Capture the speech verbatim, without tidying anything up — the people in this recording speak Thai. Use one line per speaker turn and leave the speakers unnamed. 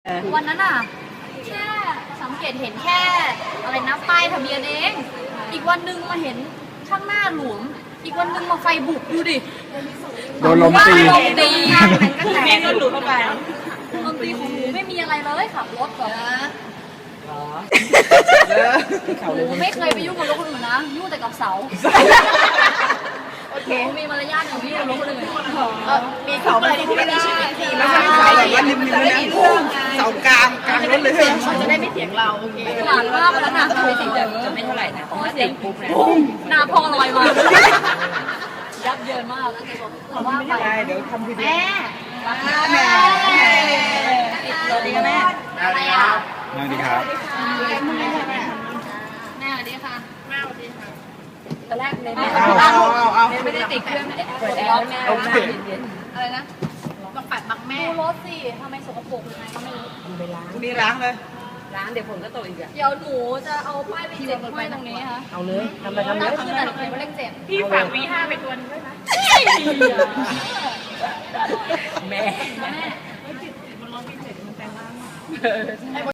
วันนั้นอ่ะแค่สังเกตเห็นแค่อะไรนะป้ายทะเบียนเองอีกวันหนึ่งมาเห็นข้างหน้าหลวมอีกวันหนึ่งมาไฟบุกดูดิ
โดนลมตี
โดนลมตี
ก็แตกหลุดเข้าไป
ลมตีของหนูไม่มีอะไรเลยขับรถแบบหนูไม่เคยไปยุ่งกับรถคนอื่นนะยุ่งแต่กับเสาโอเคมีมารยาทอยู่ที่รถคนอื่น
มีเสาอะไรที่ไม่มีชีวิตที
ไม่ใช่เสาแบบว่าริมๆนะเสากลางกลางรถเลย
เขาจะได้ไม่เถียงเราโอเค
หลานมากไปแล้วนะ
ไม่ติดจะไม่เท่าไหร่นะเพราะว่าติดปุ๊บเนี่ย
หน้าพอลอยมายับเยินมากแต่ว่าไป
ได้เดี๋ยวทำทีเดียว
แม่
แม่
สวัสดีค่ะแม่
อะไรอ่ะ
นั่งดีครับ
แม่สวัสดีค่ะแม่สวัสดีค่ะตอนแรกเลย
เอาเอาเอาเอา
ไม่ได้ติดเครื่องเปิดแอร์แม่หน้าเย็น
อะไรนะ
ๆบังปัดบังแม่
ดูรถสิทำไมสกปรกยังไงก็ไม่รู้
ไปล้าง
นี่ล้างเลย
ล้างเดี๋ยวฝนก็ตกอีกอ่ะ
เดี๋ยวหนูจะเอาป้ายไปเจ็บไว้ตรงนี้ค่ะ
เอาเลยทำไปทำเล
นั่
ย
นคือแต่หนูไม่เลขเจ็ด
พี่ฝากวีห้าไปทวนด้วยนะแม่
แม่